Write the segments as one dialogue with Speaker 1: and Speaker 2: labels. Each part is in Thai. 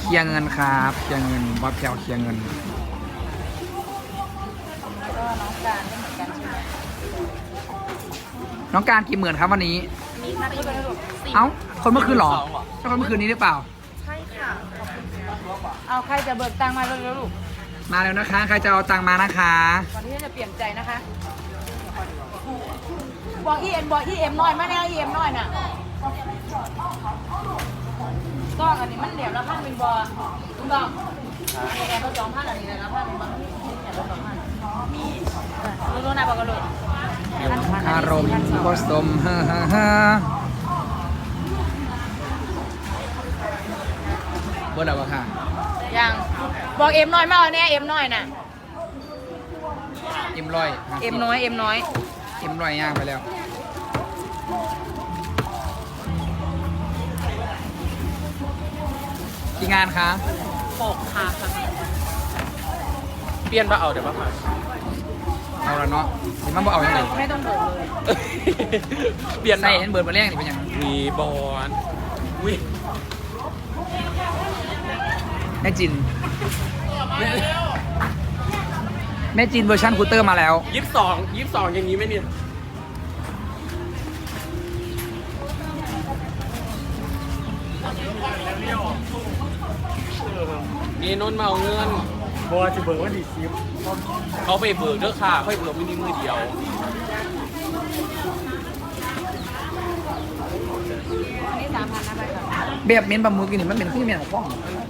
Speaker 1: ลียร์เงินครับเคลียร์เงินบอสแพลวเคลียร์เงิน
Speaker 2: ก็น้องการก็เหมือนกันใช่ไหม
Speaker 1: น้องการกี่หมื่นครับวันนี้
Speaker 2: มีค่าที่เป็นระดับ4
Speaker 1: เอ้าคนเมื่อคืนเหรอใช่คนเมื่อคืนนี้หรือเปล่า
Speaker 2: ใช่ค่ะเอาใครจะเบิกตังค์มาเร็วๆลูก
Speaker 1: มาแล้วนะคะ ใครจะเอาตังค์มานะคะ
Speaker 2: ก่อนที่จะเปลี่ยนใจนะคะบอกอีเอ็มน้อยมาแนวอีเอ็มน้อยน่ะต้องอันนี้มันเดี๋ยวละพันเป็นบอคุณต้องแอบละ2,000อันนี้เลยละพันเป็นบอแอบละ2,000มีรู้นะบอกกันเลย
Speaker 1: อารมณ์ผสมฮ่าฮ่าฮ่าเบอร์อะไรค่ะ
Speaker 2: ยังบอกเอ็มน้อยมาเอาแน่เอ็มน้อยน่ะ
Speaker 1: เอ็มร้อย
Speaker 2: เอ็มน้อย
Speaker 1: เอ็มร้อยย่างไปแล้วกี่งานคะ
Speaker 2: 6ค่ะ
Speaker 3: เปลี่ยนมาเอาเดี๋ยวมาผ่าน
Speaker 1: เอาละเนาะเห็นมันบอกเอาอย่างไร
Speaker 2: ไม่ต้องเบิกเลย
Speaker 3: เปลี่ยน
Speaker 1: ใส่เห็นเบิร์ดมาแรกนี่เป็นยัง
Speaker 3: มีบอลอุ้ย
Speaker 1: แม่จินแม่จินเวอร์ชันคูเตอร์มาแล้ว
Speaker 3: 22อย่างนี้ไหมเนี่ยนี่นนท์มาเอาเงิน
Speaker 4: บอจะเบิกว่าดีซิม
Speaker 3: เขาไปเบิกเด้อค่ะเขาไปเบิกมินิมือเดียว
Speaker 2: อันนี้3,000นะไปค่ะ
Speaker 1: แบบเม้นบะมือกินนี่มันเป็นขึ้นเม้นของพ่อง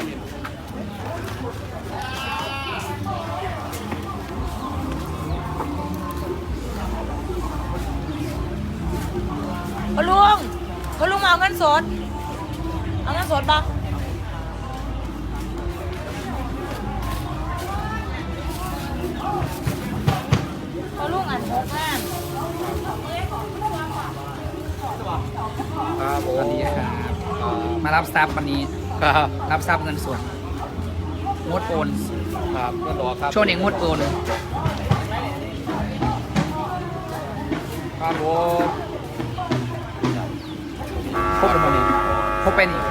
Speaker 2: พ่อลุงมาเอาเงินสดเอาเงินสดปะพ่อลุงอัน6,000
Speaker 3: ครับผ
Speaker 1: สวัส
Speaker 3: ม
Speaker 1: ดีครับมารับทรัพย์วันนี้
Speaker 3: ครับ
Speaker 1: รับทรัพย์เงินสดงดโอน
Speaker 3: ครับก็รอครับ
Speaker 1: ช่วงนี้งดโอน
Speaker 3: ครับผม
Speaker 1: พบเป็นวันนี้พบเป็นอีก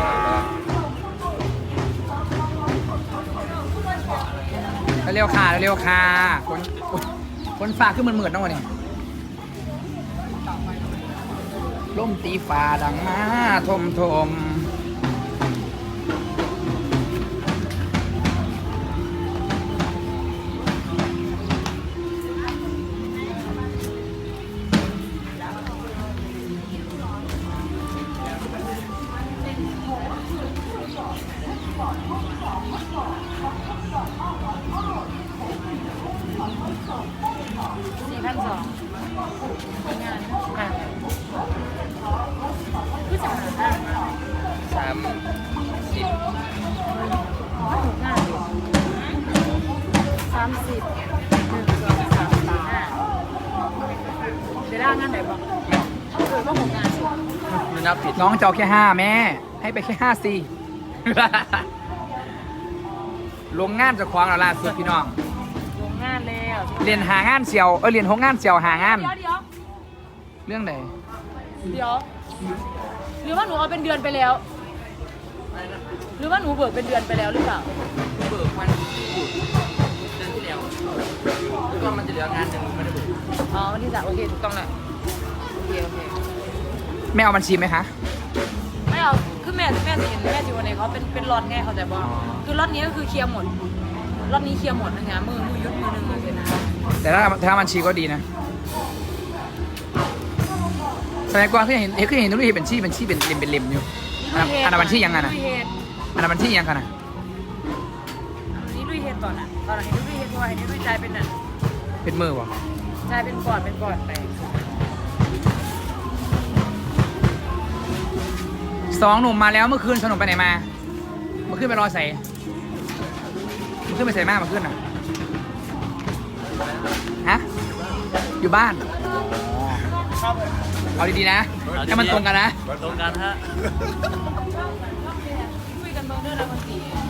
Speaker 1: เร็วๆค่ะเร็วๆค่ะคนฝากขึ้นเหมือนๆนะวันนี้ล่มตีฟ้าดังมาทมทม
Speaker 2: 4,200งานค่ะคือจะหาได้
Speaker 3: 30
Speaker 2: งานอยู่30 1 2 3 4 5จะได้งานไหนบ้างคือว่า6 งานสิ
Speaker 3: ไม่นับผิด
Speaker 1: น้องจะเอาแค่5แม่ให้ไปแค่5สิ ลงงานจะคว้างแล้วล่าสุดพี่น้อง
Speaker 2: ลงงานแล้ว
Speaker 1: เรียนหางานเสียวเรียนหกงานเสียวหางาน
Speaker 2: เดี๋ยว
Speaker 1: เรื่องไหน
Speaker 2: หรือว่าหนูเอาเป็นเดือนไปแล้ว หรือว่าหนูเบิกเป็นเดือนไปแล้วหรือเปล่า
Speaker 1: เบิกวันเดือนที่แล้วแล้วก็มันจะเหลืองานหนึ่งไม่ได้เบิก
Speaker 2: อ๋อวันที่3โอเคถูกต้องแหละโอเค
Speaker 1: ไม่เอาบัญชีไหมคะ
Speaker 2: ไม่เอาคือแม่สิเห็นแม่จิวันไหนเขาเป็นล็อตไงเขาใจบอกคือล็อตนี้ก็คือเคลียร์หมดล็อตนี้เคลียร์หมดนะงานมือยุดมือหนึ่งเลยนะ
Speaker 1: แต่ถ้าบัญชีก็ดีนะสมัยก่อนเคยเห็นทุกทีเป็นบัญชีเป็นเล่มอยู่อันนั้นบัญชียังไงนะ
Speaker 2: ลุยเฮด
Speaker 1: อันนั้นบัญชียังไงนะ
Speaker 2: อันนี้ลุยเฮดก่อนอ่ะตอนนี้ลุยเฮดเพราะว่าอันนี้ลุยใจเป็นอ่ะ
Speaker 1: เป็นมือวะ
Speaker 2: ใจเป็นก่อนไป
Speaker 1: 2 หนุ่มมาแล้วเมื่อคืนสนุกไปไหนมาเมื่อคืนไปรอใส่เมื่อคืนไปใส่มาเมื่อคืนน่ะฮะอยู่บ้านเอาดีๆนะให้มันตรงกันนะ
Speaker 3: ตรงกันฮะ
Speaker 2: คุยกันเบอร์เดอร์แล้วบางที